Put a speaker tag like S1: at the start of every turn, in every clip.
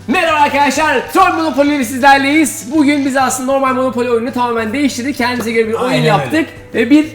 S1: Merhaba arkadaşlar, Troll Monopoly ile sizlerleyiz. Bugün biz aslında normal Monopoly oyununu tamamen değiştirdik. Kendimize göre bir oyun
S2: Aynen
S1: yaptık. Ve bir,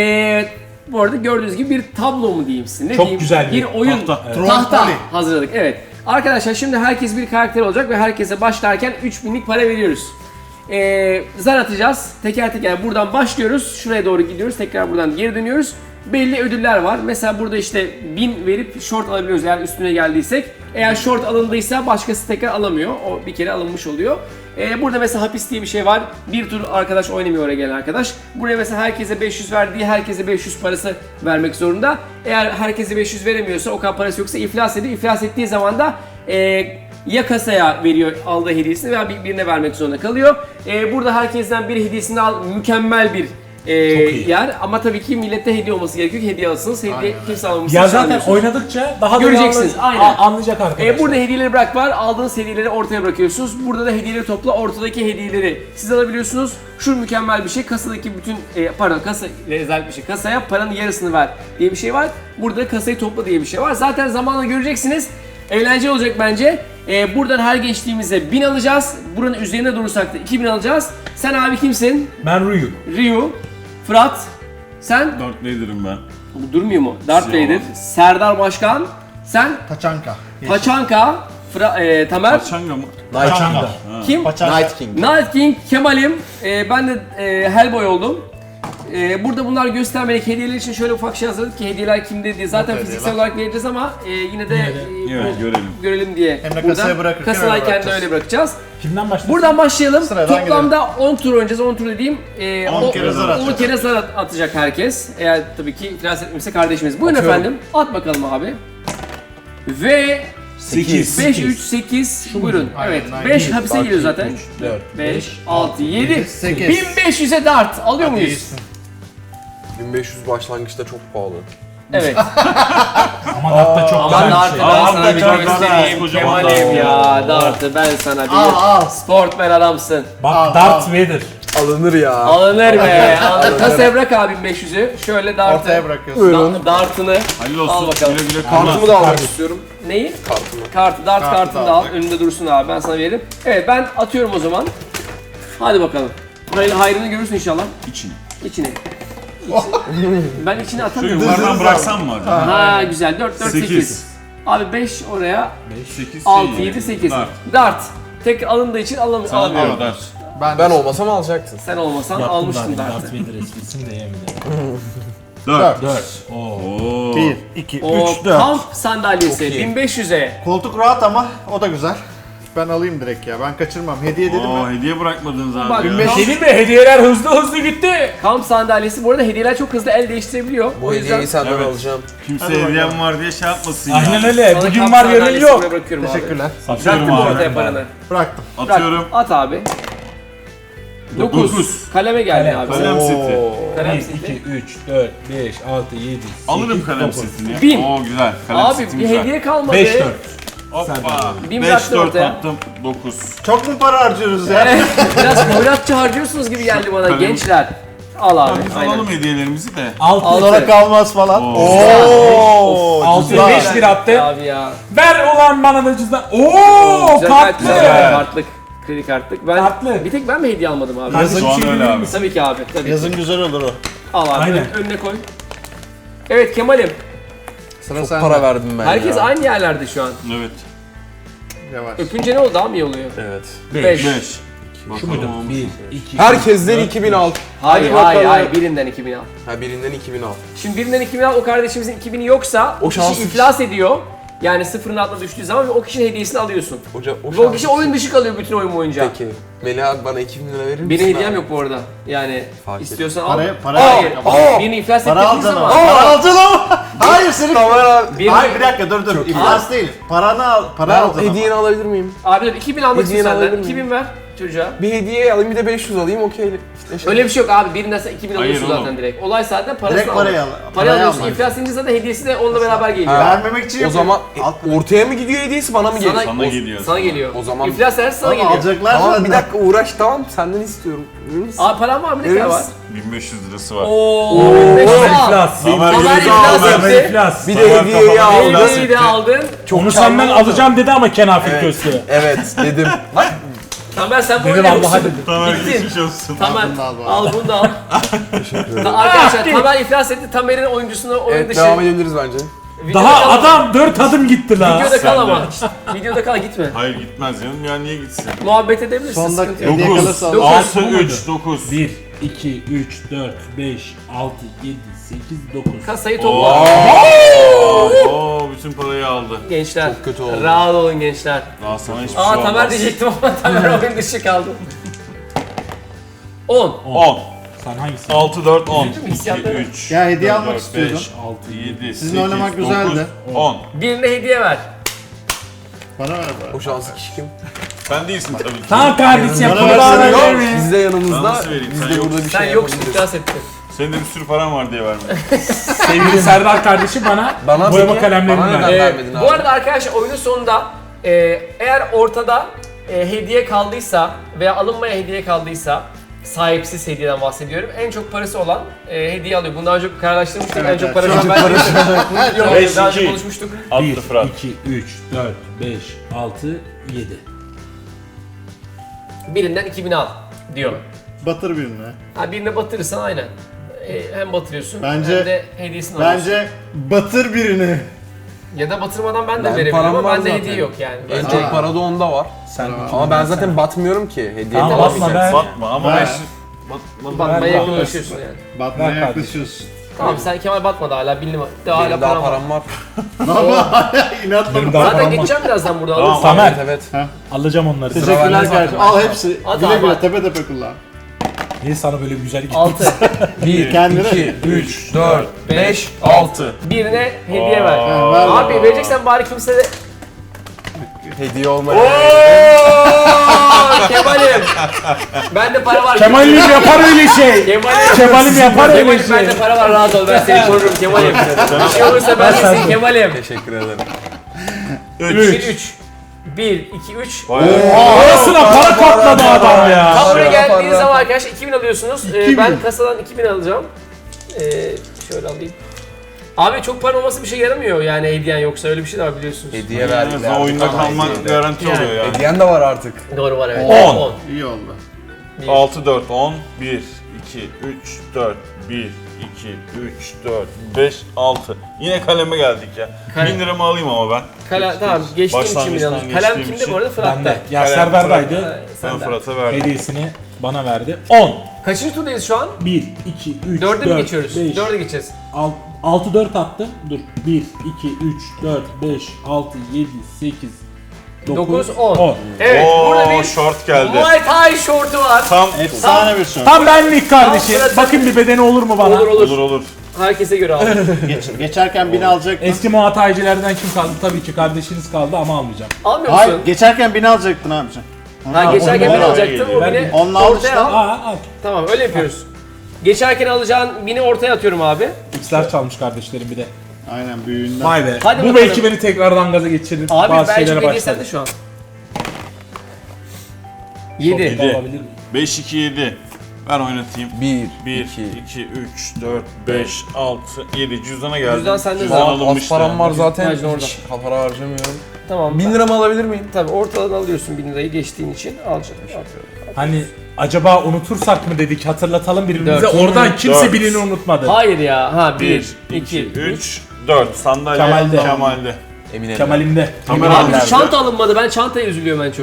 S1: bu arada gördüğünüz gibi bir tablo mu diyeyim size, ne
S2: Çok
S1: diyeyim?
S2: güzel
S1: bir oyun,
S2: tahta.
S1: tahta hazırladık. Evet. Arkadaşlar şimdi herkes bir karakter olacak ve herkese başlarken 3000'lik para veriyoruz. Zar atacağız. Teker teker buradan başlıyoruz. Şuraya doğru gidiyoruz. Tekrar buradan geri dönüyoruz. Belli ödüller var. Mesela burada işte 1000 verip short alabiliyoruz eğer üstüne geldiysek. Eğer short alındıysa başkası tekrar alamıyor. O bir kere alınmış oluyor. Burada mesela hapis diye bir şey var. Bir tur arkadaş oynamıyor oraya gelen arkadaş. Buraya mesela herkese 500 verdiği herkese 500 parası vermek zorunda. Eğer herkese 500 veremiyorsa, o kadar parası yoksa iflas ediyor. İflas ettiği zaman da ya kasaya veriyor aldığı hediyesini veya birine vermek zorunda kalıyor. Burada herkesten bir hediyesini al, mükemmel bir yer ama tabii ki millete hediye olması gerekiyor ki hediye alsınız. Hediye kimse almamışsın.
S2: Ya zaten oynadıkça daha da
S1: göreceksiniz. Aynen.
S2: Anlayacak arkadaşlar.
S1: Burada hediyeleri bırak var. Aldığınız hediyeleri ortaya bırakıyorsunuz. Burada da hediyeleri topla. Ortadaki hediyeleri siz alabiliyorsunuz. Şu mükemmel bir şey. Kasadaki bütün kasa ile özel bir şey. Kasaya paranın yarısını ver diye bir şey var. Burada da kasayı topla diye bir şey var. Zaten zamanla göreceksiniz. Eğlenceli olacak bence. Buradan her geçtiğimizde 1000 alacağız. Buranın üzerine durursak da 2000 alacağız. Sen abi kimsin?
S2: Ben Ryu.
S1: Ryu. Fırat. Sen?
S3: Darth Vader'ım ben.
S1: Bu durmuyor mu? Darth
S3: Şey
S1: Vader.
S3: olmaz.
S1: Serdar Başkan. Sen?
S4: Taçanka.
S1: Paçanka. Tamer.
S3: Paçanga mı?
S2: Paçanga.
S1: Kim?
S4: Night
S5: King.
S1: Night King. Kemal'im. Ben de Hellboy oldum. Burada bunlar göstermelik hediyeler için şöyle ufak şey hazırladık ki hediyeler kimde diye. Zaten fiziksel olarak vereceğiz ama yine de
S3: Evet, görelim.
S1: diye.
S4: Hem de
S1: Buradan
S4: kasaya bırakırken
S1: kasadayken de
S4: bırakacağız.
S1: öyle bırakacağız.
S2: Kimden başlayalım?
S1: Buradan başlayalım.
S4: Sıradan
S1: Toplamda 10 tur oynayacağız. 10 tur dediğim
S4: 10 kere zar
S1: 10
S4: atacak.
S1: kere zar atacak herkes. Eğer tabii ki iflas etmişse kardeşimiz. Buyurun efendim. At bakalım abi. Ve
S3: 8.
S1: 5 3 8 buyurun.
S4: Aynen,
S1: Evet.
S4: aynen.
S1: 5 hapise giriyor zaten.
S2: 4,
S1: 5 6 7
S4: 8.
S1: 1500'e dart alıyor muyuz?
S4: İyisin.
S5: 1500 başlangıçta çok pahalı.
S1: Evet.
S2: Ama hatta çok
S1: Ben
S2: güzel bir
S1: dartı
S2: şey.
S1: ben
S3: Aa,
S1: sana bir
S3: çok
S1: göstereyim.
S3: güzel.
S1: Kemal'im ya dartı ben sana bir
S4: Al.
S1: sportman adamsın.
S2: Bak Darth Vader.
S5: Alınır ya.
S1: Alınır be. Kasaya bırak abi 1500'ü. Şöyle dartı.
S4: Ortaya bırakıyorsun.
S1: Dartını.
S3: Hayırlı
S1: Al
S3: olsun.
S1: bakalım.
S3: Güle güle
S5: Kartımı
S3: kullan.
S5: da almak istiyorum.
S1: Neyi?
S5: Kartımı.
S1: Kartı, dart
S4: Kartı
S1: kartını
S4: da
S1: da al.
S4: aldık.
S1: Önünde dursun abi. Ben sana veririm. Evet ben atıyorum o zaman. Hadi bakalım. Burayı hayrını görürsün inşallah.
S3: İçini.
S1: İçine. Ben içine
S3: Şu
S1: atamıyorum.
S3: yukarıdan bıraksam mı acaba?
S1: Ha güzel. 4 4 8.
S3: 8.
S1: Abi 5 oraya.
S3: 8.
S1: 6 7 8. Dart. Tek alındığı için
S3: Sana
S1: alamıyorum.
S3: diyor Dart.
S5: Ben olmasam alacaksın.
S1: Sen olmasan almıştın
S2: Darth
S1: dartı.
S2: Vader esprisini de yemedim.
S3: 4.
S2: 4. Oo.
S3: Oo.
S4: 1, 2,
S1: O
S4: 3, 4.
S1: kamp sandalyesi
S5: Çok iyi.
S1: 1500'e.
S4: Koltuk rahat ama o da güzel. Ben alayım direkt ya. Ben kaçırmam. Hediye dedim
S3: Oo,
S4: mi?
S3: hediye bırakmadınız
S1: Bak,
S3: abi ya.
S1: kamp-
S2: Değil mi? Hediyeler hızlı gitti.
S1: Kamp sandalyesi bu arada hediyeler çok hızlı el değiştirebiliyor.
S5: Bu
S1: O yüzden
S5: hediyeyi senden
S3: Evet.
S5: alacağım.
S3: Kimse
S4: Hadi bakalım.
S3: hediyem var diye şey yapmasın ya.
S2: Aynen öyle.
S1: sana
S2: Bugün
S1: kamp
S2: var yarın
S1: sandalyesi
S2: yok.
S1: buraya bırakıyorum abi.
S4: Teşekkürler.
S3: Atıyorum
S1: Bıraktım
S3: abi.
S1: ortaya paranı.
S4: Bıraktım.
S1: Bırak.
S3: Atıyorum.
S1: At abi. 9.
S3: Dokuz.
S1: Kaleme geldi
S4: Kalem.
S1: abi.
S3: Kalem seti.
S1: Kalem
S2: 1,
S1: seti.
S2: 2, 3, 4, 5, 6, 7, 8,
S3: Alırım kalem
S2: 9.
S3: setini.
S1: 1000.
S3: Oo güzel. Kalem
S1: Abi
S3: setim
S1: bir
S3: güzel.
S1: hediye kalmadı.
S2: 5, 4.
S3: Hoppa.
S1: 1000
S3: 5
S1: bıraktın
S3: 4
S1: ortaya.
S3: attım. 9.
S4: Çok mu para harcıyoruz ya?
S1: Evet, biraz hoyratça harcıyorsunuz gibi geldi bana
S3: Kalem.
S1: gençler. Al abi.
S3: Biz
S1: Aynen.
S3: alalım hediyelerimizi de.
S2: 6.
S4: Sonra kalmaz falan.
S3: Oo.
S4: Oo.
S2: 6,
S4: güzel.
S2: 5 lira attı.
S1: Abi ya.
S2: Ver ulan bana da cüzdan. Oo,
S1: Güzel,
S2: kartlı.
S1: güzel. Kartlık. Kredi kartlık. Ben
S2: Kartlı.
S1: bir tek ben mi hediye almadım abi?
S4: Yazın
S3: Şu an
S4: şey
S3: öyle
S4: bilir
S3: abi.
S4: misin?
S1: Tabii ki abi. Tabii.
S4: Yazın güzel olur o.
S1: Al abi.
S2: Aynen.
S1: Önüne koy. Evet Kemal'im.
S4: Sıra
S5: Çok
S4: sende.
S5: para verdim ben
S1: Herkes
S5: ya.
S1: aynı yerlerde şu an.
S3: Evet.
S4: Yavaş.
S1: Öpünce ne oldu? Daha mı iyi oluyor?
S5: Evet.
S1: 5.
S3: 5.
S2: Şu muydu? 1, 2,
S5: Herkesten 2000 al.
S1: Hayır
S5: Hadi
S1: hayır
S5: bakalım.
S1: hayır birinden 2000 al.
S5: Ha birinden 2000 al.
S1: Şimdi birinden 2000 al, o kardeşimizin 2000'i yoksa o kişi
S5: şans-
S1: iflas ediyor. Yani sıfırın altına düştüğü zaman ve o kişinin hediyesini alıyorsun.
S5: O
S1: Ve o kişi oyun dışı kalıyor bütün oyun boyunca.
S5: Peki. Melih abi bana 2000 lira verir misin?
S1: Benim hediyem
S5: abi?
S1: yok bu arada. Yani
S5: Fark
S1: istiyorsan al.
S4: Para
S1: Hayır.
S4: al.
S1: Birini iflas
S4: Para
S1: ettiğiniz
S4: alacaksın ama.
S1: zaman.
S4: Para alacaksın ama. Hayır senin.
S5: Tamam.
S4: Hayır bir dakika dur dur. İflas değil. Paranı al. Para
S5: Ben
S4: alacaksın ama.
S5: hediyeni alabilir miyim?
S1: Abi dur 2000 almak
S5: Hediyeni
S1: istiyorsan
S5: alabilir
S1: senden.
S5: miyim?
S1: 2000 ver. çocuğa.
S5: Bir hediye alayım bir de 500 alayım okey.
S1: Öyle bir şey yok abi. Birinden sen 2000
S3: Hayır
S1: alıyorsun zaten
S3: oğlum.
S1: direkt. Olay zaten parasını
S4: Direkt parayı
S1: almak.
S4: al.
S1: Parayı alıyorsun.
S4: almak.
S1: İflas edince zaten hediyesi de onunla beraber geliyor.
S5: Ha.
S4: Vermemek için
S5: O
S4: yapıyorum.
S5: zaman
S4: Alt
S5: ortaya mı gidiyor hediyesi bana mı geliyor?
S3: Sana geliyor.
S1: Sana geliyor.
S5: O zaman-
S1: İflas ederse sana
S4: Ama
S1: geliyor.
S4: alacaklar
S5: Tamam
S4: zaten.
S5: bir dakika uğraş tamam senden istiyorum. Verir misin?
S1: Abi paran var mı? Ne
S5: Verir
S1: kadar var?
S5: misin?
S3: 1500 lirası var.
S1: Ooo.
S2: İflas.
S3: Tamer
S1: Tamer
S3: Gülüz'ü
S1: iflas
S3: aldı.
S1: etti.
S2: İflas.
S5: Bir de hediyeyi aldım.
S1: Hediyeyi de aldın.
S2: Onu senden alacağım dedi ama kenafir gösteri.
S5: Evet dedim. Bak
S1: Tamer sen bu
S2: Dedim
S1: oyunu
S2: Allah'a
S1: musun?
S2: dedim.
S3: Tamer
S1: Gittin.
S3: geçmiş olsun.
S1: Tamer
S4: Bunu da al bari.
S1: al bunu da al. Arkadaşlar Tamer iflas etti. Tamer'in oyuncusunu oyun
S5: evet
S1: dışı.
S5: devam edebiliriz bence.
S1: Videoda
S2: Daha
S1: kal-
S2: adam 4 adım gitti la.
S1: Videoda kal
S3: Sen
S1: ama.
S3: de.
S1: Videoda kal gitme.
S3: Hayır gitmez canım ya niye gitsin?
S1: Muhabbet edebilirsin.
S4: Son
S1: Sıkıntı
S4: dakika
S1: yok.
S4: hediye
S3: 9,
S4: kalırsa al.
S3: 6,
S2: Bu muydu?
S3: 3, 9.
S2: 1, 2, 3, 4, 5, 6, 7, 8, 9.
S1: Kasayı topla.
S3: Oo, bütün parayı aldı.
S1: Gençler.
S5: Çok kötü oldu.
S1: Rahat olun gençler.
S3: Daha sana hiçbir
S1: Aa
S3: şey
S1: Tamer
S3: olmaz.
S1: diyecektim ama Tamer oyun dışı kaldı. 10.
S3: 10,
S2: Sen hangisi?
S3: 6, 4, 10.
S1: Üzüldüm
S3: 2,
S1: hissiyatları.
S3: 3,
S4: Ya hediye
S3: 4,
S4: almak
S3: 5,
S4: istiyordum.
S3: 6, 7,
S4: Sizin
S3: 8,
S4: oynamak
S3: 9,
S4: güzeldi.
S3: 10.
S1: Birine hediye ver.
S4: Bana ver
S5: O
S4: bari.
S5: şanslı kişi kim?
S3: Sen değilsin tabii ki.
S2: Tamam kardeşim.
S4: Bana
S2: bunu
S4: versene.
S2: bana
S4: Yok,
S2: ver mi?
S5: Biz de yanımızda.
S3: Nasıl vereyim?
S5: Biz
S3: Sen
S5: de
S3: yoksun.
S5: burada bir
S1: Sen
S5: şey
S1: yoksun
S5: yapabiliriz.
S1: iflas ettin.
S3: Senin de bir sürü paran var diye vermedim.
S2: Sevgili Serdar kardeşim bana
S5: Bana
S2: boyama
S5: peki,
S2: kalemlerini
S5: bana
S2: ver.
S5: neden vermedin abi?
S1: Bu arada arkadaşlar oyunun sonunda eğer ortada hediye kaldıysa veya alınmaya hediye kaldıysa sahipsiz hediyeden bahsediyorum. En çok parası olan hediye alıyor. Bundan önce kararlaştırmıştık.
S4: Evet,
S1: En çok
S4: evet.
S1: para
S4: Şu
S1: ben
S4: an
S1: Yok,
S3: Beş,
S1: daha önce
S3: iki.
S1: konuşmuştuk.
S2: 1,
S3: Attı Fırat.
S2: 2, 3, 4, 5, 6, 7.
S1: Birinden 2000 al diyor.
S4: Batır birine.
S1: Ha birine batırırsan aynen. Hem batırıyorsun
S4: Bence-
S1: hem de hediyesini alıyorsun.
S4: Bence batır birini.
S1: Ya da batırmadan ben de
S5: Ben
S1: verebilirim
S5: param
S1: ama
S5: var
S1: bende
S5: zaten.
S1: hediye yok yani.
S5: En
S1: Bence
S5: çok para da onda var.
S2: Sen
S5: Ama ben zaten batmıyorum ki. Hediye
S2: Tamam,
S5: de
S2: batma
S5: alamayacağım.
S2: be.
S3: Batma ama
S4: Ver.
S3: ben şimdi...
S1: batmaya
S2: Ver,
S1: yakınlaşıyorsun yani.
S4: Batmaya
S2: Ver kardeşim.
S4: yaklaşıyorsun.
S1: Tamam sen Kemal batmadı hala bildim. Daha hala
S5: Benim daha
S1: param var.
S5: param var.
S4: İnatla.
S2: Benim daha
S1: Zaten
S2: param var.
S1: geçeceğim birazdan buradan
S3: Tamam.
S1: alırsın.
S2: Tamer,
S5: Evet evet.
S2: alacağım onları.
S4: Teşekkürler
S5: bende
S4: kardeşim.
S5: zaten.
S4: Al hepsi.
S1: Hadi
S4: Güle
S1: abi.
S4: güle tepe tepe kullan.
S2: Niye sana böyle bir güzel gitti?
S1: 6.
S5: 1,
S4: Kendine.
S5: 2, 3, 4, 5, 6.
S1: Birine hediye ver.
S4: Ha, ver.
S1: Abi vereceksen bari kimse de...
S5: Hediye olmayan.
S1: Kemal'im. Bende para var.
S2: Kemal'im yapar öyle şey.
S1: Kemal'im.
S2: Kemal'im yapar öyle
S1: Kemal'im
S2: şey.
S1: bende para var rahat ol ben seni korurum Kemal'im. Bir şey olursa ben de seni Kemal'im.
S5: Teşekkür ederim.
S1: 3. 1, 2, 3.
S2: Arasına para katladı adam ya.
S1: Tam buraya
S5: Para,
S1: geldiğiniz
S5: para.
S1: zaman arkadaşlar 2000 alıyorsunuz.
S4: 2000.
S1: Ben kasadan 2000 alacağım. Şöyle alayım. Abi çok para olması bir şey yaramıyor yani hediyen yoksa öyle bir şey de var biliyorsunuz.
S5: Hediye
S3: En
S5: verdik.
S3: azından oyunda kalmak garanti
S1: Yani.
S3: oluyor yani.
S5: Hediyen de var artık.
S1: Doğru var evet.
S3: 10.
S4: İyi oldu.
S3: 6, 4, 10, 1, 2, 3, 4, 1, 2, 3, 4, 5, 6. Yine kaleme geldik ya.
S1: Kalem.
S3: 1000 liramı alayım ama ben.
S1: Tamam geçtiğim için
S3: Başlangıçtan
S1: biraz. Kalem
S3: geçtiğim
S1: kimde
S3: için.
S1: bu arada? Fırat'ta.
S2: Bende. Ya
S3: Kalem,
S2: Serdar'daydı.
S3: Ben
S1: Sende.
S3: Fırat'a verdim.
S2: Hediyesini bana verdi. 10.
S1: Kaçıncı turdayız şu an?
S2: 1, 2, 3,
S1: 4'e
S2: 4,
S1: mi geçiyoruz?
S2: 5,
S1: 4'e geçeceğiz.
S2: 6, 4 attım. Dur. 1, 2, 3, 4, 5, 6, 7, 8, 9,
S1: 9, 10.
S2: 10.
S1: Evet burada
S3: Oo,
S1: bir
S3: short geldi.
S1: Muay Thai şortu var.
S3: Tam
S4: Efsane bir şey.
S2: Tam benlik kardeşim.
S1: Tam Fırat'ın-
S2: Bakın bir bedeni olur mu bana?
S1: Olur olur.
S3: olur olur.
S1: Herkese göre al.
S4: Geçerken bini alacaktın.
S2: Eski muhataycilerden kim kaldı? Tabii ki kardeşiniz kaldı ama almayacağım.
S1: Almıyor
S4: Hayır,
S1: musun?
S4: geçerken bini alacaktın abicim.
S1: Ha geçerken
S2: onu
S1: beni
S2: ver.
S1: alacaktın o
S2: Ver.
S1: bini
S4: Onunla al
S1: ortaya
S4: işte.
S1: al.
S2: Al.
S1: Tamam öyle yapıyoruz. Geçerken alacağın bini ortaya atıyorum abi.
S2: X'ler çalmış kardeşlerim bir de.
S4: Aynen büyüğünden.
S2: Vay be.
S1: Hadi
S2: Bu
S1: bakalım.
S2: belki beni tekrardan gaza geçirir.
S1: Abi
S2: Bazı
S1: bence
S2: şeylere
S1: hediye
S2: başladı.
S1: sende şu an. 7.
S3: Yedi.
S2: Olabilir mi?
S3: 5, 2, 7. Ben oynatayım.
S5: 1,
S3: 1,
S5: 2,
S3: 2, 3, 4, 5, 6, 7. Cüzdana geldi.
S1: Cüzdan sende
S3: Cüzdan
S1: zaten.
S5: Az
S3: alınmıştı.
S5: param var zaten.
S1: Sadece orada.
S5: Hiç para harcamıyorum.
S1: Tamam.
S5: 1000 liramı alabilir miyim?
S1: Tabii ortadan alıyorsun 1000 lirayı geçtiğin için alacaksın.
S2: Hani acaba unutursak mı dedik hatırlatalım birbirimize.
S1: Dört.
S2: Oradan kimse
S3: Dört.
S2: birini unutmadı.
S1: Hayır ya. Ha 1,
S3: 1,
S1: 2,
S3: 2,
S1: 3.
S3: 3, 4. Sandalye
S2: Kemal'de.
S3: Kemal'de.
S5: Eminim.
S2: Kemal'imde.
S3: Tamer
S1: Abi
S3: nerede?
S1: çanta alınmadı. Ben çantaya üzülüyorum en çok.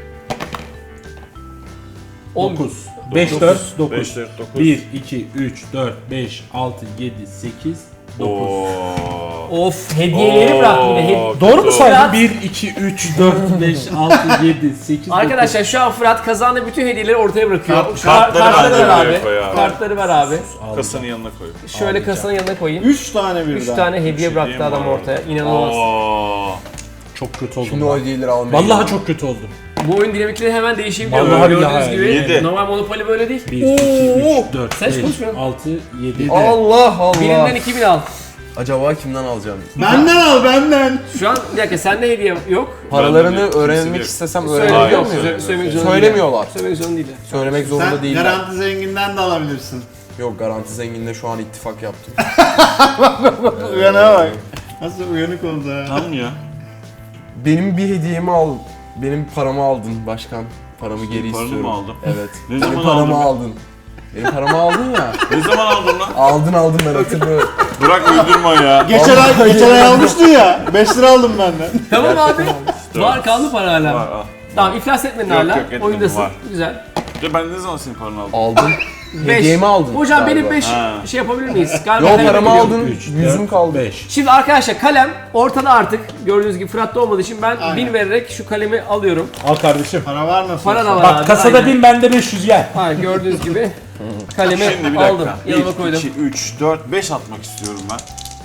S2: 9. 5, 4, 9.
S3: 5, 4, 9.
S2: 1, 2, 3, 4, 5, 6, 7, 8, 9.
S1: Of hediyeleri bırak bir de.
S2: Doğru mu
S1: Fırat.
S2: saydım? 1, 2, 3, 4, 5, 6, 7, 8,
S1: Arkadaşlar şu an Fırat kazandığı bütün hediyeleri ortaya bırakıyor.
S3: kartları
S1: Kartları
S3: bence
S1: ver
S3: buraya
S1: abi.
S3: koy abi.
S1: Kartları ver abi.
S3: Kasanın yanına koy.
S1: Şöyle kasanın yanına koyayım.
S4: 3 tane birden.
S1: 3 tane hediye bıraktı
S3: diyeyim
S1: adam
S3: mi?
S1: ortaya. İnanılmaz.
S3: Oo.
S2: Çok kötü oldum.
S5: Şimdi
S2: ben.
S5: o hediyeleri almayayım.
S2: Vallahi çok kötü oldum.
S1: Bu oyun dinamikleri hemen değişebiliyor.
S2: Vallahi
S1: Gördüğünüz
S2: billahi.
S1: gibi.
S3: Yedi.
S1: Normal Monopoly böyle değil.
S2: 1, 2, 3, 4,
S1: Sen hiç
S2: 5,
S1: konuşmuyorsun.
S2: 6, 7.
S5: Allah Allah.
S1: Birinden 2000 al.
S5: Acaba kimden alacağım?
S4: Benden al benden.
S1: Şu an bir dakika sende hediye yok.
S5: Paralarını
S3: Kimse
S5: öğrenmek
S3: yok.
S5: istesem
S1: Söylemek
S5: öğrenebiliyor
S1: yok.
S5: muyum?
S1: Söylemek zorunda
S5: Söylemiyorlar.
S1: değil. Söylemek zorunda değil.
S5: Söylemek zorunda
S4: Sen
S5: değiller.
S4: garanti zenginden de alabilirsin.
S5: Yok garanti zenginde şu an ittifak yaptım.
S4: Uyanığa bak. Nasıl uyanık oldu ha.
S3: Tamam ya.
S5: Benim bir hediyemi al. Benim paramı aldın başkan. Paramı geri
S3: Paranı
S5: istiyorum.
S3: mı aldım?
S5: Evet.
S3: Ne
S5: Benim
S3: zaman
S5: paramı
S3: aldın?
S5: aldın. Benim paramı aldın ya.
S3: Ne zaman aldın lan?
S5: Aldın ben hatırlıyorum.
S3: Bırak uydurma ya.
S4: Geçen ay almıştın ya. 5 lira aldım benden.
S1: Tamam abi. Var kaldı para hala.
S3: Var, al.
S1: Tamam iflas etmedin
S3: Yok,
S1: hala.
S3: yok, etmedim,
S1: Oyundasın.
S3: var.
S1: Güzel.
S3: Ya ben ne zaman senin paranı aldım?
S5: Aldın.
S1: Beş.
S5: Hediyemi aldın.
S1: Hocam benim
S5: galiba.
S1: 5
S3: Ha.
S1: şey yapabilir miyiz? Galiba
S5: Yo
S1: kalem
S5: paramı
S1: biliyorum.
S5: aldın.
S2: 3,
S5: Yüzüm kaldı.
S2: 5.
S1: Şimdi arkadaşlar kalem ortada artık. Gördüğünüz gibi Fırat'ta olmadığı için ben
S4: Aynen.
S1: 1000 vererek şu kalemi alıyorum.
S2: Al kardeşim.
S4: Para var nasıl?
S1: Para da var
S2: Bak
S1: abi.
S2: kasada
S1: aynen.
S2: 1000 bende 500 gel.
S1: Ha gördüğünüz gibi kalemi
S3: Şimdi bir
S1: aldım.
S3: dakika.
S1: Yanıma
S3: 1,
S1: koydum.
S3: 2, 3, 4, 5 atmak istiyorum ben.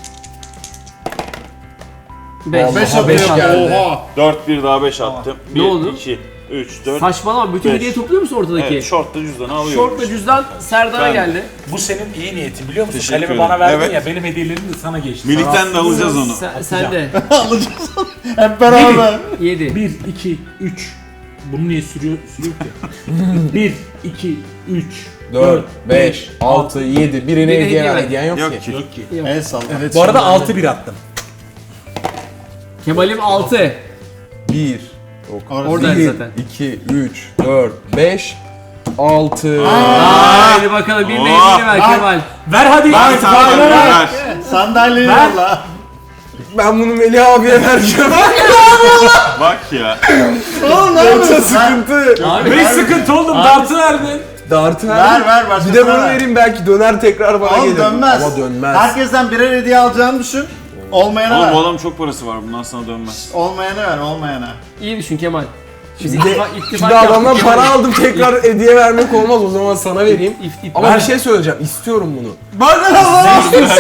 S1: 5.
S4: 5
S5: Aha, beş
S4: atıyor.
S5: geldi.
S4: Oha.
S3: 4, 1 daha 5 attım. 1,
S1: Ne oldu?
S3: 2, 3, 4,
S1: Saçmalama bütün
S3: Beş.
S1: hediye topluyor musun ortadaki?
S3: Evet, şortla cüzdanı alıyorum.
S1: Şortla cüzdan Serdar'a
S3: Ben-
S1: geldi.
S2: Bu senin iyi niyetin biliyor musun?
S3: Teşekkür
S2: Kalemi
S3: ederim.
S2: bana verdin
S3: Evet.
S2: ya benim hediyelerim de sana geçti.
S3: Milik'ten de alacağız onu.
S1: Sen de.
S4: Alacağız onu. Hep beraber.
S1: 7.
S2: 1, 2, 3. Bunu niye sürüyor ki? 1, 2, 3,
S5: 4, 5, 6, 7. Birine
S1: Birine
S5: hediye ver.
S1: hediye
S5: Hediyen yok
S3: Yok
S5: ki.
S3: ki.
S2: Yok ki.
S4: El salla.
S2: Bu arada 6-1 attım.
S1: Kemal'im 6.
S5: 1,
S1: Oradaydı
S5: 1,
S1: zaten.
S5: 2, 3, 4, 5, 6.
S1: Haydi bakalım bir neyini ver
S4: Bak.
S1: Kemal.
S2: Ver hadi.
S3: Ver sen de ver.
S4: Sandalyeyi
S2: Ver.
S4: yolla.
S5: Ben bunu Melih abiye vereceğim.
S3: Bak ya.
S4: Oğlum ne
S5: Yoksa
S4: yapıyorsun?
S5: sıkıntı.
S1: Abi
S2: 5 sıkıntı oldum. Dartı verdin.
S5: Dartı
S4: Ver başka
S5: Bir de bunu
S4: ver.
S5: vereyim belki döner tekrar bana
S4: Oğlum
S5: gelir.
S4: dönmez.
S5: Ama dönmez.
S4: Herkesten birer hediye alacağını düşün. Olmayana
S3: Oğlum bu
S4: ver.
S3: adam çok parası var. Bundan sana dönmez.
S4: Olmayana ver, olmayana.
S1: iyi düşün Kemal. Biz
S5: Şimdi,
S1: ittifak
S5: şimdi adamdan
S1: yaptık
S5: para
S1: Kemal.
S5: aldım tekrar hediye vermek olmaz o zaman sana vereyim. Ama
S2: Ver.
S5: bir şey söyleyeceğim istiyorum bunu.
S4: Bana Allah!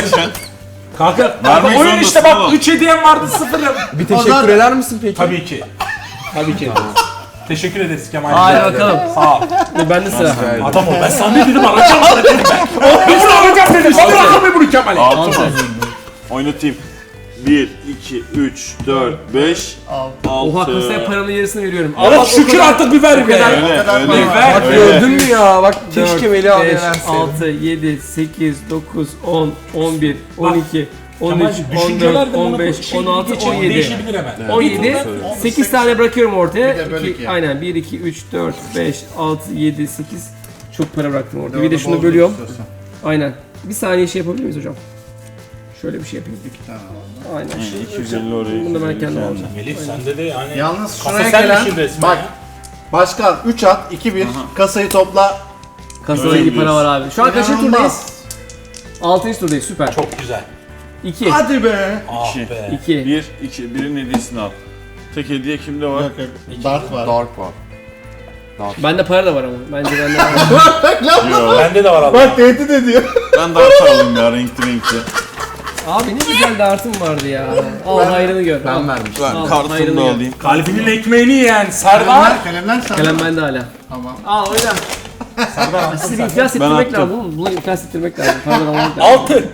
S2: Kanka
S3: Vermek
S2: oyun işte
S3: zorundasın
S2: bak
S3: oğlum.
S2: 3 hediyem vardı 0'ım.
S5: Bir teşekkür
S4: zaman-
S5: eder misin peki?
S2: Tabii ki. Tabii ki. Teşekkür ederiz Kemal.
S1: Haydi bakalım.
S2: Sağ ol.
S1: Ben de sıra.
S5: Rica ederim.
S2: Adam ol. Ben sana ne dedim alacağım sana dedim ben. Ben sana alacağım dedim. Sana bırakamıyorum bunu Kemal'e.
S3: 6 mı? Oynatayım. 1, 2, 3, 4, 5, 6.
S1: Oha kasaya paranın yarısını veriyorum.
S2: Allah şükür artık bir ver be.
S1: kadar-
S3: Öyle,
S4: O kadar
S3: öyle.
S4: para
S2: var.
S5: Bak
S3: Öyle.
S5: gördün mü ya? Bak keşke Melih abiye
S1: 5,
S5: verseydim.
S1: 6, 7, 8, 9, 10, 11, 12, 13,
S2: Kemal'cim düşünceler
S1: 14,
S2: de
S1: 15, 16, 17.
S2: Değişebilir hemen.
S1: 17, 8 tane bırakıyorum ortaya.
S4: Bir de böyle iki.
S1: Aynen 1, 2, 3, 4, 5, 6, 7, 8. Çok para bıraktım orada. Bir de
S4: Orada
S1: şunu
S4: bol
S1: bölüyorum.
S4: istiyorsan.
S1: Aynen. Bir saniye şey yapabilir miyiz hocam? Şöyle bir şey yapayım. Aynen. Şu,
S3: 250 oraya.
S1: Bunu da ben
S3: 250
S1: kendim
S3: oraya.
S1: alacağım.
S2: Melih sende de yani
S4: Yalnız
S2: kasa
S4: şuraya
S2: sen
S4: gelen,
S2: işin resmen
S4: bak
S2: ya.
S4: başkan 3 at, 2-1, kasayı topla.
S1: Kasada
S3: Öyle
S1: iyi para var abi. Şu an kaçıncı turdayız?
S4: İnanılmaz.
S1: 6. turdayız. Süper.
S2: Çok güzel.
S1: 2.
S4: Hadi be.
S2: Ah
S3: İki.
S2: be.
S1: 2.
S3: 1, 2, birinin hediyesini al. Tek hediye kimde var?
S4: Yok yok, dart var.
S5: Dark var.
S1: Bende para da var ama. Bence bende var.
S3: Yok.
S2: Bende de var Allah.
S4: Bak tehdit ediyor.
S3: Ben dart alayım ya renkli.
S1: Abi ne güzel dartım vardı ya. Al hayrını gör.
S5: Ben
S1: Al.
S5: vermiştim.
S1: Al,
S3: Ben kartımı
S1: hayrını
S3: da
S1: gör.
S3: alayım.
S2: Kalbinin ekmeğini yiyen Serdar.
S4: Kalemler sen.
S1: Kalem bende hala.
S4: Tamam.
S1: Al oyna. Sizi iflas ettirmek
S3: attım.
S1: lazım oğlum. Bunu iflas ettirmek lazım. Paradan almak lazım.
S2: 6.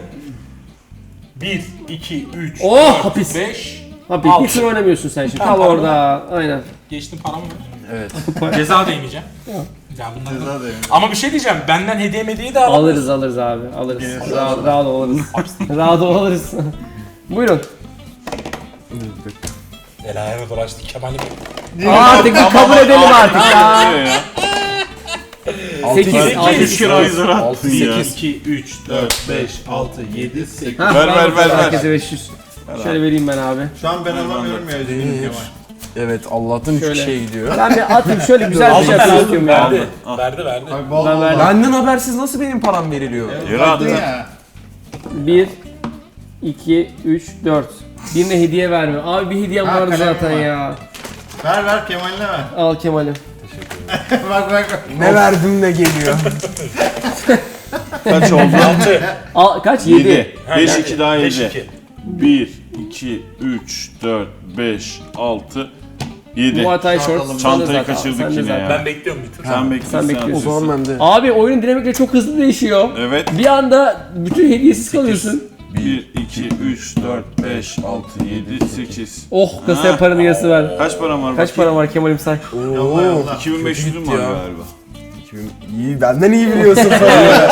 S2: 1, 2, 3,
S1: Oh, hapis.
S2: 5.
S1: Abi
S2: Altı.
S1: hiç oynamıyorsun sen şimdi.
S2: Tamam,
S1: Kal
S2: tamam.
S1: orada. Aynen.
S2: Geçtim param var.
S5: Evet.
S2: Ceza da yemeyeceğim. Ya bunlar da-
S4: Ceza da yemin.
S2: Ama bir şey diyeceğim. Benden hediye de
S1: Alırız abi. Alırız. Rahat ol alırız. Rahat ol alırız. Buyurun.
S2: El ayağına dolaştı Kemal'im.
S1: Artık bir kabul edelim artık ya.
S3: Ne ya?
S1: 8.
S2: sekiz.
S1: 6.
S3: 3 kere zor attın ya.
S2: 2, 3, 4, 5, 6, 7, 8.
S3: Ver.
S1: Herkese 500. Şöyle vereyim ben abi.
S4: Şu an ben alamıyorum ya üzgünüm Kemal.
S5: Evet Allah'tan 3
S1: Şöyle.
S5: kişiye gidiyor.
S1: Ben bir atayım şöyle güzel bir
S2: Aldım
S1: şey
S2: ben
S1: yapıyorum
S2: aldım.
S1: ya.
S2: Verdi.
S3: Al.
S2: Verdi.
S4: Abi bol
S1: Ben
S4: bol
S1: verdim.
S4: bak.
S5: Benden habersiz nasıl benim param veriliyor?
S3: Yürü hadi.
S4: Ya.
S1: 1, 2, 3, 4. Birine hediye verme. Abi bir hediyem
S4: Ha,
S1: vardı
S4: kalem
S1: zaten
S4: var.
S1: ya.
S4: Ver Kemal'ine ver.
S1: Al Kemal'im.
S4: bak.
S5: Ne verdim ne geliyor.
S3: Kaç oldu?
S2: 6.
S1: Al kaç? 7.
S3: 7. 5, 2 daha
S2: 5,
S3: 7.
S2: 2.
S3: 1, 2, 3, 4, 5, 6, 7.
S1: Muay Thai short. sen de
S3: Çantayı
S1: zaten-
S3: kaçırdık
S1: sen de
S3: yine
S1: zaten.
S3: ya.
S6: Ben bekliyorum bir tur.
S3: Sen bekliyorsun.
S1: sen bekliyorsun.
S5: O zaman ben de.
S1: Abi oyunun dinamikleri çok hızlı değişiyor.
S3: Evet.
S1: Bir anda bütün hediyesiz kalıyorsun.
S3: 1, 2, 3, 4, 5, 6, 7, 8.
S1: Oh kasaya paranın yarısı ver.
S3: Kaç param var?
S1: Kaç para var Kemal'im say.
S4: Yolla yolla.
S3: 2500'üm var
S5: ya.
S3: galiba.
S5: İyi, benden iyi biliyorsun parayı.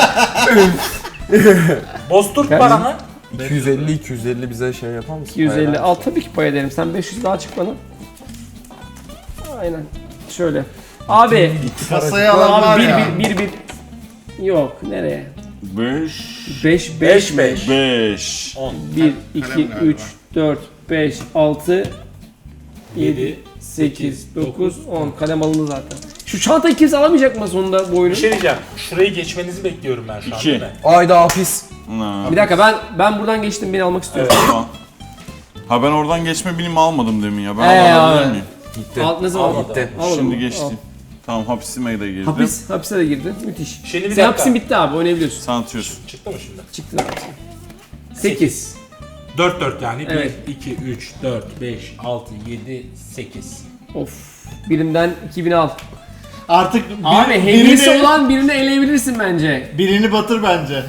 S6: Boztur
S1: Ben-
S6: paranı.
S5: 250 bize şey yapar mısın?
S1: 250
S5: Hayır,
S1: al tabii ki pay ederim. Sen 500 daha çık bana. Aynen. Şöyle. Abi.
S4: Kasayı alan var
S1: Abi
S4: ya.
S1: bir. Yok nereye?
S3: 5,
S1: 5
S3: 5.
S1: 1 2
S4: Kalem
S1: 3 4 5 6 7
S6: 7,
S1: 8 9 10 kalem alındı zaten. Şu çantayı kimse alamayacak mı sonunda bu oyunu?
S6: Bir şey diyeceğim. Şurayı geçmenizi bekliyorum ben şu an
S3: 2.
S6: değil mi?
S5: Ayda hapis.
S1: Bir dakika ben buradan geçtim beni almak istiyorum.
S3: Tamam. Ha ben oradan geçme bilimi almadım demin ya. Ben
S1: abi.
S3: alabilir miyim?
S5: Gitti.
S1: Al, ne zaman?
S5: Gitti.
S1: Al
S3: Şimdi
S1: onu,
S3: geçtim.
S1: al.
S3: Tamam hapisime de girdim.
S1: Hapise de girdi. Müthiş.
S6: Şimdi bir
S1: Senin
S6: dakika.
S1: hapisin bitti abi oynayabiliyorsun.
S3: Sen atıyorsun.
S6: Çıktı mı şimdi?
S1: Çıktı hapisin. 8.
S6: 4 yani.
S1: Evet.
S6: 1, 2, 3, 4, 5, 6, 7, 8.
S1: Of. Birinden 2000 al.
S4: Artık
S1: Abi hediyesi olan birini eleyebilirsin bence.
S4: birini batır bence.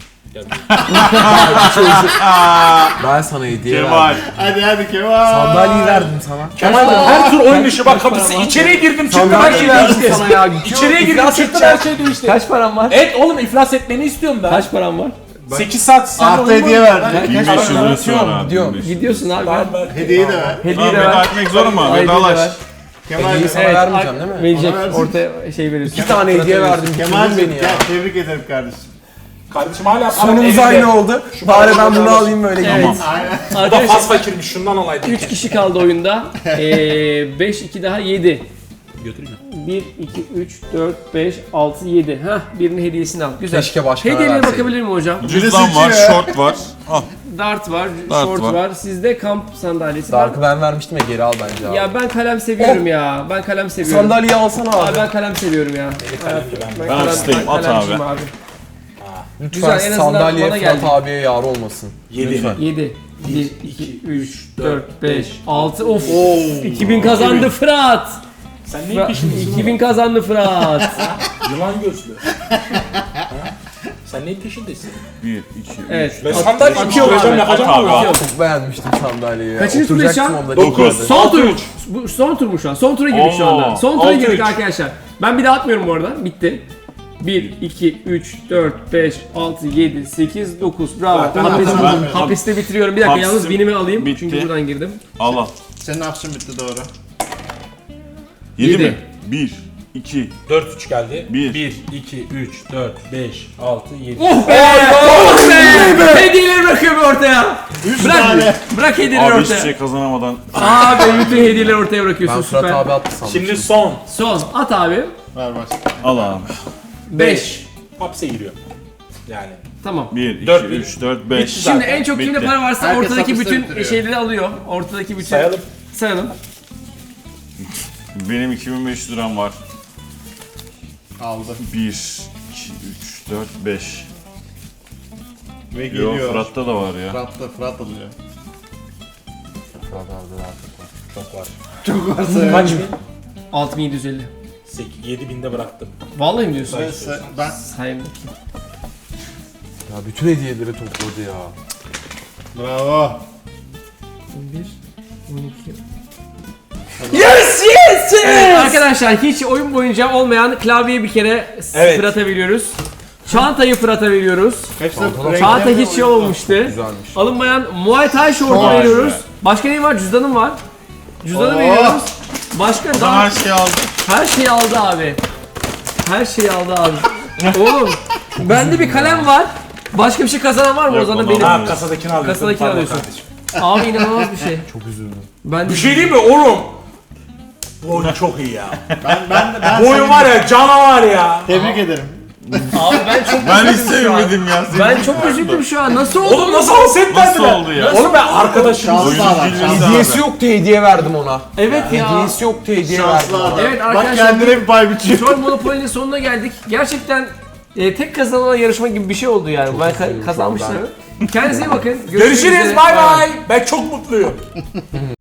S5: Ben sana hediye
S3: Kemal.
S5: verdim.
S4: Hadi Kemal.
S5: Sandalyeyi verdim sana.
S6: Kemal her tur oyun dışı bak kapısı. İçeriye girdim çıktım her şey
S5: verdim
S6: değişti.
S5: sana ya.
S6: İçeriye girdim çıktım her şey değişti.
S1: Kaç param var?
S6: Evet oğlum iflas etmeni istiyorum ben.
S1: Kaç param var?
S6: 8 saat sen
S4: Artı
S6: oyun
S4: hediye
S6: oynuyorsun.
S4: verdi.
S3: 1500 lirası var abi.
S5: Gidiyorum.
S3: 1500.
S1: Gidiyorsun abi.
S6: Tamam, ben-
S4: Hediyeyi de ver.
S1: Hediye
S3: Tamam
S1: de
S3: veda
S1: ver.
S3: etmek zor mu?
S1: Ay, hediye de
S3: Vedalaş.
S1: ver.
S4: Kemal
S5: Hediyeyi sana vermeyeceğim değil mi?
S1: Verecek.
S4: Ona versin.
S1: Ortaya şey verirsin.
S5: 2 tane hediye verdim.
S4: Kemal
S5: Bitirdin beni ya.
S4: gel tebrik ederim kardeşim.
S6: Kardeşim hala
S5: Sonumuz
S6: elinde.
S5: aynı oldu. Bari ben bunu alayım böyle
S1: Evet.
S5: gideyim.
S4: Aynen.
S6: Bu da
S1: Arkadaşlar
S6: faz fakirmiş şundan alaydık.
S1: 3 kişi kaldı oyunda. 5 2 daha 7.
S6: Götüreyim mi?
S1: 1 2 3 4 5 6 7. Hah birinin hediyesini al. Güzel.
S5: Keşke başkana
S1: Hediyelere
S5: verseydim.
S1: bakabilir miyim hocam?
S3: Cüzdan var,
S4: seçiyor.
S3: short var. Al.
S1: Dart var,
S3: Dart
S1: short
S3: var.
S1: var. Sizde kamp sandalyesi var.
S5: Dark'ı ben vermiştim ya geri al bence abi.
S1: Ya ben kalem seviyorum ya. Ben kalem seviyorum.
S5: Sandalyeyi alsana
S1: Abi
S5: abi.
S1: ben kalem seviyorum ya.
S6: kalem gibi ben.
S3: Ben hapisteyim, at
S1: kalemciyim
S3: abi.
S1: Güzel,
S5: Lütfen
S1: en azından
S5: sandalyeye
S1: bana
S5: Fırat
S1: geldi.
S5: abiye yar olmasın.
S6: 7.
S5: Lütfen.
S1: 7 1 2 3 4 5 6 of 2000 kazandı Fırat.
S6: Sen neyin peşindesin?
S1: 2000 kazandı Fırat.
S6: Yılan gözlü. Ha? Sen neyin peşindesin?
S3: 1, 2, 3.
S1: Evet.
S6: Ben sandalye
S1: Atıyorum
S6: yapacağım
S1: abi.
S6: yapacağım
S3: At abi.
S6: abi.
S5: Çok beğenmiştim sandalyeyi ya.
S1: Kaçıncı turdayız şu an?
S5: Oturacaktım onda.
S6: 9.
S1: Son tur. Bu son tur mu şu an? Son tura girdik şu anda.
S3: Oo,
S1: Son tura
S6: 6-3.
S1: girdik arkadaşlar. Ben bir daha atmıyorum bu arada. Bitti. 1, 2, 3, 4, 5, 6, 7, 8, 9. Bravo.
S6: Ben-
S1: Hapiste bitiriyorum. Bir dakika
S3: Hapisim
S1: yalnız binimi alayım.
S3: bitti.
S1: Çünkü buradan girdim.
S3: Al al.
S4: Senin hapsin bitti doğru.
S3: 7
S1: Yedi.
S3: mi? 1, 2,
S6: 4 3 geldi.
S3: Bir.
S6: 1 2 3 4 5 6 7.
S1: Oh be! Oh be! Hediyeleri bırakıyorum ortaya.
S4: 3
S1: Bırak.
S4: tane.
S1: Bırak hediyeleri
S3: Abi hiçbir
S1: ortaya.
S3: şey kazanamadan.
S1: Abi bütün hediyeleri ortaya bırakıyorsun.
S5: Ben Fırat
S1: Süper.
S5: abi attı sandım.
S6: Şimdi son
S1: Son. At abi.
S4: Ver baş.
S3: Al abi.
S1: 5.
S6: hapse giriyor. Yani
S3: 1, 2,
S6: Dört,
S3: 3, 4, 5.
S6: Bitti
S1: Şimdi
S6: zaten.
S1: en çok kimde
S3: Bitti.
S1: para varsa
S4: Herkes
S1: ortadaki
S4: hapiste
S1: bütün
S4: bitiriyor.
S1: şeyleri alıyor. Ortadaki bütün.
S6: sayalım.
S1: Sayalım.
S3: Benim 2500 liram var.
S4: Aldı.
S3: 1, 2, 3, 4, 5.
S4: Ve
S3: Yo
S4: geliyor.
S3: Fırat'ta da var ya.
S4: Fırat alıyor.
S5: Fırat abi de artık var.
S6: Çok var.
S4: Çok varsa
S6: Kaç bin?
S1: 6750.
S6: 7000'de bıraktım.
S1: Vallahi mi diyorsun?
S4: Ben
S1: Sayayım bakayım.
S5: Ya bütün hediyeleri topladı ya.
S4: bravo.
S1: 11, 12. Yes yes yes! Arkadaşlar hiç oyun boyunca olmayan klavyeyi bir kere
S6: Evet.
S1: Fırat'a veriyoruz. Çantayı Fırat'a veriyoruz.
S4: Hepsi
S1: Çanta hiç şey olmamıştı.
S5: Güzelmiş.
S1: Alınmayan Muay Thai şortu
S4: Vay
S1: veriyoruz. Başka ne var? Cüzdanım var. Cüzdanı
S4: Oo.
S1: veriyoruz. Başka
S3: Ben
S1: daha
S3: her şeyi aldım.
S1: her şeyi aldı abi. Her şeyi aldı abi. Oğlum bende bir kalem var. Başka bir şey kazanan var mı?
S3: Yok,
S1: o zaman
S3: onu
S1: benim.
S3: almadım.
S6: Ha kasadakini alıyorsun.
S1: Kasadakini
S6: Pardon
S1: alıyorsun.
S6: kardeşim.
S1: Abi inanılmaz bir şey.
S5: Çok üzüldüm.
S1: Ben de
S6: Bir şey değil mi oğlum? Bu oyun çok iyi ya.
S4: ben
S6: Bu oyun var ya canavar ya.
S4: Tebrik ederim.
S1: Abi ben çok
S3: Ben hiç
S1: üzüldüm şu an.
S3: sevmedim ya.
S1: Ben çok üzüldüm şu an. Nasıl oldu?
S6: Oğlum nasıl alset
S3: Nasıl
S6: verdiler?
S3: oldu ya?
S6: Oğlum ben arkadaşım.
S4: Şanslı
S3: Oyunun
S4: adam.
S3: bilmesi
S4: Şanslı.
S5: Hediyesi yoktu hediye verdim ona.
S1: Evet ya.
S5: Hediyesi yoktu hediye verdim
S4: Şanslı
S5: ona.
S4: adam.
S1: Evet
S4: Bak
S1: arkadaşlar,
S4: kendine bir pay biçiyor.
S1: Troll Monopoly'nin sonuna geldik. Gerçekten tek kazanılan yarışma gibi bir şey oldu yani. Ben kazanmışlar. Kendinize iyi bakın. Görüşmek
S6: Görüşürüz
S1: üzere.
S6: bay bay. Ben çok mutluyum.